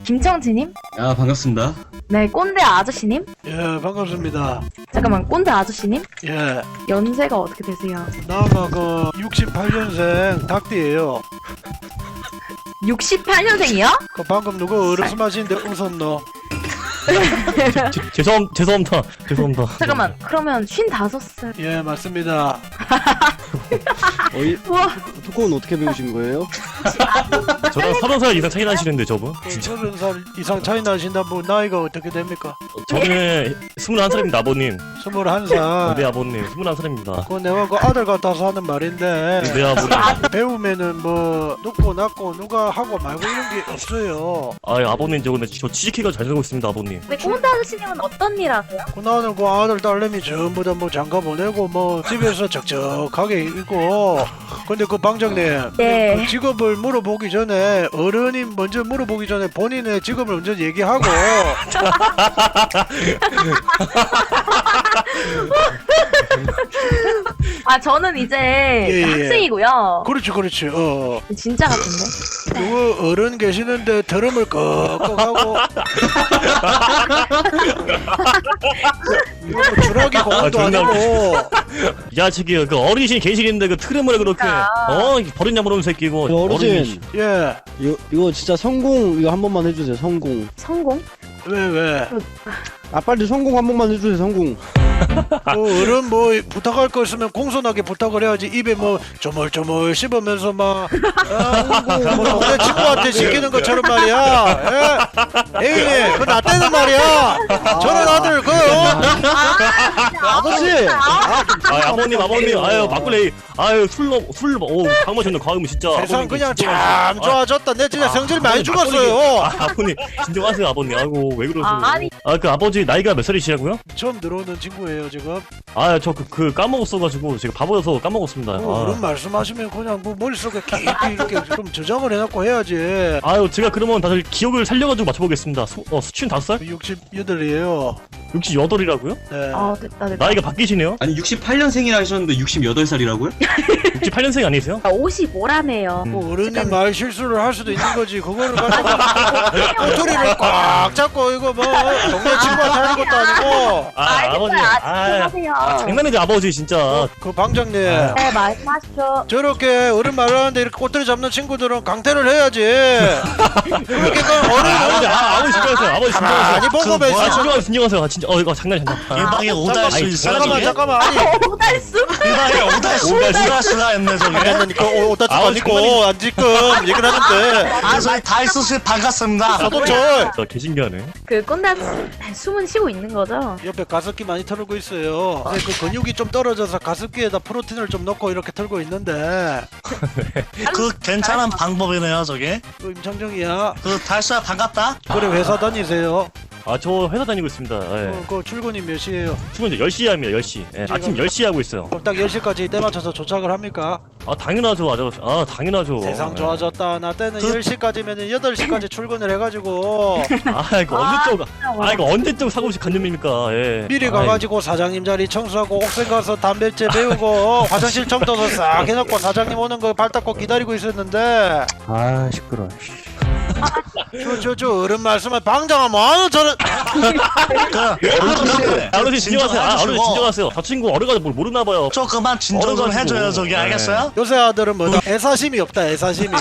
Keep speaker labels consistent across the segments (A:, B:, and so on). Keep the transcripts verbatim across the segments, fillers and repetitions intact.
A: 김청지님?
B: 아 반갑습니다.
A: 네, 꼰대 아저씨님?
C: 예, 반갑습니다.
A: 잠깐만, 꼰대 아저씨님?
C: 예,
A: 연세가 어떻게 되세요?
C: 나가 그 육십팔 년생 닭띠예요.
A: 육십팔 년생이요?
C: 그 방금 누구 어르스마시는데 웃었노?
D: 제, 죄송 죄송합니다. 죄송합니다.
A: 잠깐만, 그러면 쉰다섯 살.
C: 예, 맞습니다.
E: 어이,
A: 우와,
E: 토크는 어떻게 배우신 거예요?
D: 저랑 서른 살 이상 차이 나시는데 저분?
C: 그
D: 진짜.
C: 서른 살 이상 차이 나신다 분 나이가 어떻게 됩니까?
D: 저는 스물한 살입니다 아버님.
C: 스물한 살.
D: 네 아버님 스물한 살입니다.
C: 그 내가 그 아들 같아서 하는 말인데
D: 네 아버님.
C: 배우면은 뭐 눕고 낮고 누가 하고 말고 이런 게 없어요.
D: 아 아버님 저 근데 저 취직해가 잘 살고 있습니다 아버님.
A: 네, 꼰대 아저씨님은 어떤 일 하세요?
C: 그 나는 그 아들 딸내미 전부 다 뭐 장가 보내고 뭐 집에서 적적하게 있고. 근데 그 방장님,
A: 네.
C: 그 직업을 물어보기 전에 어른이 먼저 물어보기 전에 본인의 직업을 먼저 얘기하고.
A: 아, 저는 이제
C: 예, 예.
A: 학생이고요.
C: 그렇지 그렇지. 어.
A: 진짜 같은데?
C: 누구 어른 계시는데 드럼을 꺽꺽하고. 이거 뭐 주라기 공원도
D: 아, 존나
C: 아니고.
D: 야 저기 그 어르신 계시는데 그 트름을 그렇게 어 버릇냐 모르는 새끼고.
E: 그 어르신.
C: 예.
E: 이거, 이거 진짜 성공 이거 한 번만 해주세요. 성공.
A: 성공?
C: 왜 왜?
E: 아 빨리 성공 한 번만 해주세요. 성공.
C: 뭐 어른 뭐 부탁할 거 있으면 공손하게 부탁을 해야지. 입에 뭐 조물조물 씹으면서 막 아, 뭐 동네 친구한테 시키는 것처럼 말이야. 예? 에이 그나 때는 말이야. 저런 아들 그 어?
E: 아버지.
D: 아 아버님 아버님 아유 막걸리 아유 술술오 강마셨네 과음 진짜.
C: 세상
D: 아버님,
C: 그냥
D: 진정하세요.
C: 참 좋아졌다. 내 진짜
D: 아,
C: 성질 많이
D: 아버님,
C: 죽었어요.
D: 아, 아버님 진정하세요 아버님. 아이고 왜 그러세요?
A: 아, 아니.
D: 아 그 아버지 나이가 몇 살이시라고요?
C: 처음 들어오는 친구예요 지금.
D: 아 저 그 그 까먹었어가지고 제가 바보여서 까먹었습니다.
C: 뭐
D: 아.
C: 그런 말씀하시면 그냥 뭐 머릿속에 깊이 이렇게 좀 저장을 해놓고 해야지.
D: 아유 제가 그러면 다들 기억을 살려가지고 맞춰보겠습니다. 수, 어 수춘 다섯 살?
C: 육십팔이에요.
D: 육십여덟이라고요?
C: 네.
A: 아, 됐다, 됐다.
D: 나이가 바뀌시네요?
B: 아니 육십팔 년생이라 하셨는데 육십여덟 살이라고요?
D: 육십팔 년생 아니세요?
A: 아, 오십오라네요.
C: 뭐 어른이 말 실수를 할 수도 있는 거지. 그거를 가지고 꼬투리를 꽉 잡고 이거 뭐 동네 친구한테 하는 것도 아니고.
D: 아 아버지 아,
A: 하세요.
D: 아 장난이지 아버지 진짜.
C: 그 방장님
D: 아.
A: 네, 말씀하십시오.
C: 저렇게 어른 말하는데 이렇게 꼬투리 잡는 친구들은 강퇴를 해야지. 그렇게 그 어른
D: 아버지 아 아버지 진정하세요 아버지
C: 가만히
D: 진정하세요.
C: 보고
D: 아
C: 계시.
D: 진정하세요 진정하세요 아 진짜 어 이거 장난이 장난.
F: 이 방에 오달수 있어요
C: 잠깐만
F: 저게?
C: 잠깐만 아니
A: 오달수?
F: 이 방에 오달수 오달수가 했네 저게.
C: 아니 그 오다치
D: 아우,
C: 아니고
D: 장난이-
C: 안 지금 얘기를 하는데
F: 아 저희 달수씨 반갑습니다.
C: 서도철
D: 저 개신기하네.
A: 그 꼰대 아저씨 숨은 쉬고 있는 거죠?
C: 옆에 가습기 많이 털고 있어요. 근데 그 근육이 좀 떨어져서 가습기에다 프로틴을 좀 넣고 이렇게 털고 있는데
F: 그 괜찮은 방법이네요 저게.
C: 그 임창정이야.
F: 그 달수야 반갑다.
C: 그래 회사 다니세요?
D: 아 저 회사 다니고 있습니다. 예.
C: 어, 그 출근이 몇 시에요?
D: 출근 이제 열 시에 합니다 열 시. 예, 아침 열 시에 하고 있어요.
C: 그럼 딱 열 시까지 때 맞춰서 도착을 합니까?
D: 아 당연하죠 아저씨. 아 당연하죠.
C: 세상
D: 예.
C: 좋아졌다. 나 때는
F: 그-
C: 열 시까지면 여덟 시까지 출근을 해가지고
D: 아 이거 언제적 아 이거 언제적 사고식 간념입니까? 예.
C: 미리
D: 아이,
C: 가가지고 사장님 자리 청소하고 옥상 가서 담배째 배우고 화장실 청소도 싹 해놓고 사장님 오는 거 발 닦고 기다리고 있었는데
E: 아 시끄러.
C: 저 저 저 어른 말씀을 방장하면 뭐하는 저는
F: 그
D: 아, 어르신 진정하세요. 아, 어르신
F: 진정하시고
D: 진정하세요. 저 친구 어려가지고 뭘 모르나 봐요.
F: 저 그만 진정 좀
D: 어려가지고.
F: 해줘요 저기
D: 네.
F: 알겠어요?
C: 요새 아들은 뭐다 애사심이 없다 애사심이.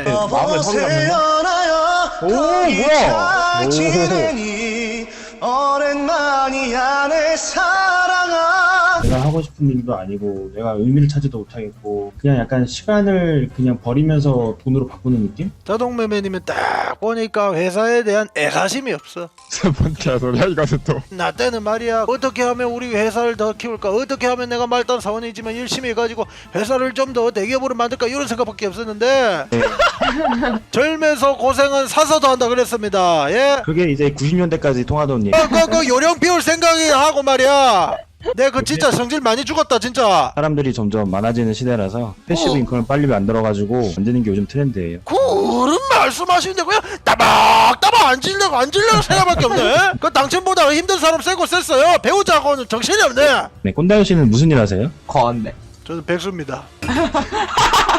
F: 여보세요나요
E: 오, 뭐야?
F: 지내니 오랜만이야 내 사랑아.
G: 내가 하고 싶은 일도 아니고 내가 의미를 찾지도 못하겠고 그냥 약간 시간을 그냥 버리면서 돈으로 바꾸는 느낌?
C: 자동매매님은 딱 보니까 회사에 대한 애사심이 없어.
H: 뭔 개소리야 이것은 또.
C: 나 때는 말이야 어떻게 하면 우리 회사를 더 키울까, 어떻게 하면 내가 말단 사원이지만 열심히 해가지고 회사를 좀 더 대기업으로 만들까 이런 생각밖에 없었는데 젊어서 고생은 사서도 한다 그랬습니다. 예?
G: 그게 이제 구십 년대까지 통하던 얘기.
C: 그, 그, 그 요령 피울 생각이 하고 말이야. 내 그 진짜 성질 많이 죽었다 진짜.
G: 사람들이 점점 많아지는 시대라서 패시브
C: 어.
G: 인컴을 빨리 만들어가지고 만드는 게 요즘 트렌드예요.
C: 그 어른 말씀하시는데 그냥 따박따박 앉으려고 앉으려고 생각밖에 없네. 그 당첨보다 힘든 사람 세고 셌어요. 배우자고는 정신이 없네.
G: 네, 꼰대 아저씨는 무슨 일 하세요?
C: 저는 백수입니다.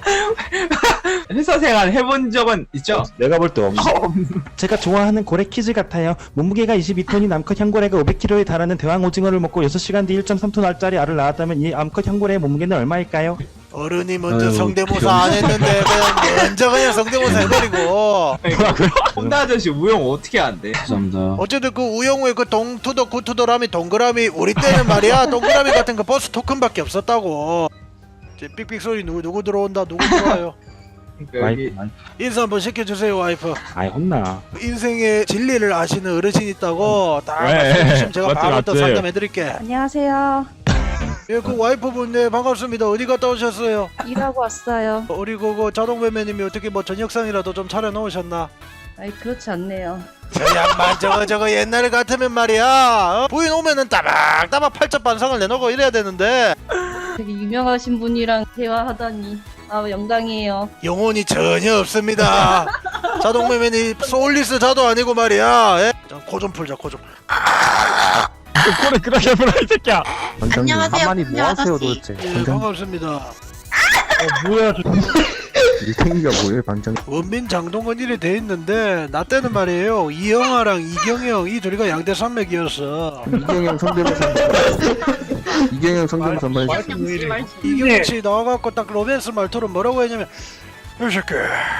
I: 회사 생활 해본 적은 있죠?
E: 내가 볼 때 없어. 제가 좋아하는 고래 퀴즈 같아요. 몸무게가 이십이 톤인 암컷 향고래가 오백 킬로그램에 달하는 대왕 오징어를 먹고 여섯 시간 뒤 일 점 삼 톤 알짜리 알을 낳았다면 이 암컷 향고래의 몸무게는 얼마일까요?
C: 어른이 먼저
B: 아유,
C: 성대모사
B: 귀여워.
C: 안 했는데 그냥 먼저 그냥 성대모사 해버리고.
I: 혼다 아저씨 우영 어떻게 안 돼?
B: 죄송합니다.
C: 어쨌든 그 우영우의 그 동투도 구투도라미 동그라미 우리 때는 말이야 동그라미 같은 그 버스 토큰밖에 없었다고. 이제 삑삑 소리 누구 누구 들어온다 누구 들어와요.
I: 여기
C: 인사 한번 시켜주세요 와이프.
E: 아이 혼나.
C: 인생의 진리를 아시는 어르신 있다고 딱
H: 왜?
C: 말씀해주시면 제가
H: 맞지,
C: 바로 또
H: 맞지.
C: 상담해드릴게.
A: 안녕하세요.
C: 예, 그 와이프분 네 반갑습니다. 어디 갔다 오셨어요?
A: 일하고 왔어요.
C: 우리 그거 자동매매님이 어떻게 뭐 저녁상이라도 좀 차려놓으셨나?
A: 아이 그렇지 않네요.
C: 저 양반 저거 저거 옛날 같으면 말이야 어? 부인 오면은 따박따박 팔자 반상을 내놓고 이래야 되는데
A: 되게 유명하신 분이랑 대화하다니 아 영광이에요.
C: 영혼이 전혀 없습니다. 자동매매님 소울리스 자도 아니고 말이야. 예? 코 좀 풀자 코 좀.
H: 꼬리 끄덕여 보라 이 새끼야.
E: 원장님 한마디 뭐 하세요 도대체?
C: 예,
E: 원장
C: 반갑습니다.
E: 뭐야 저 이 생기가 뭐예요 방장?
C: 원민 장동건 이래 돼 있는데 나 때는 말이에요 이영아랑 이경영 이 둘이가 양대 산맥이었어.
E: 이경영 성대모사. 이경영 성대모사 한번 해주세요.
C: 이경영 씨 나와갖고 딱 로맨스 말투로 뭐라고 했냐면 이 새끼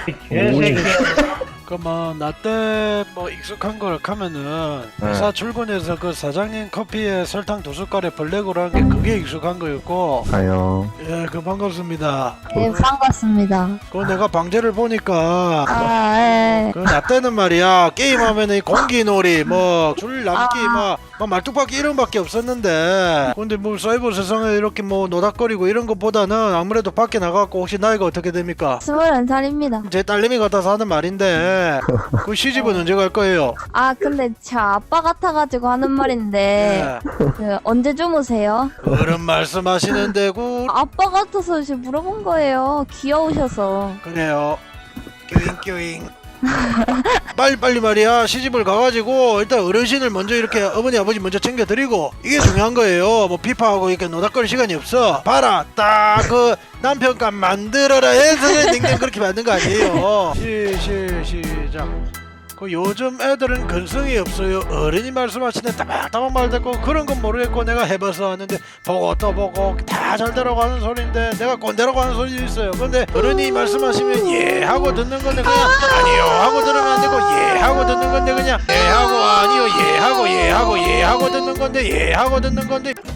C: 그만 나 때 뭐 익숙한 걸 하면은 회사 출근해서 그 사장님 커피에 설탕 두 숟갈에 블랙으로 한 게 그게 익숙한 거였고.
E: 가요.
C: 예, 그 반갑습니다.
A: 네 반갑습니다.
C: 그 내가 방제를 보니까
A: 아 예.
C: 그 나 때는 말이야 게임하면은 이 공기놀이 뭐 줄넘기
A: 아.
C: 막, 막 말뚝박기 이런 밖에 없었는데 근데 뭐 사이버 세상에 이렇게 뭐 노닥거리고 이런 것보다는 아무래도 밖에 나가고 혹시 나이가 어떻게 됩니까?
A: 스물한 살입니다.
C: 제 딸내미 같아서 하는 말인데 그 시집은 언제 갈 거예요?
A: 아 근데 제 아빠 같아가지고 하는 말인데
C: 예.
A: 그 언제 주무세요?
C: 그런 말씀하시는데 그
A: 아빠 같아서 이제 물어본 거예요. 귀여우셔서.
C: 그래요 뀨잉뀨잉 빨리빨리 말이야 시집을 가가지고 일단 어르신을 먼저 이렇게 어머니 아버지 먼저 챙겨드리고 이게 중요한 거예요. 뭐 피파하고 이렇게 노닥거릴 시간이 없어. 봐라 딱 그 남편감 만들어라 해서 냉장 그렇게 만든 거 아니에요. 시, 시, 시작. 그 요즘 애들은 근성이 없어요. 어른이 말씀하시는 따박따박 말 듣고 그런 건 모르겠고 내가 해봐서 하는데 보고 또 보고 다 잘 되라고 하는 소리인데 내가 꼰대라고 하는 소리도 있어요. 근데 어른이 말씀하시면 예 하고 듣는 건데 그냥 아니요 하고 들으면 안 되고 예 하고 듣는 건데 그냥 예 하고 아니요 예 하고 예 하고 예 하고 듣는 건데 예 하고 듣는 건데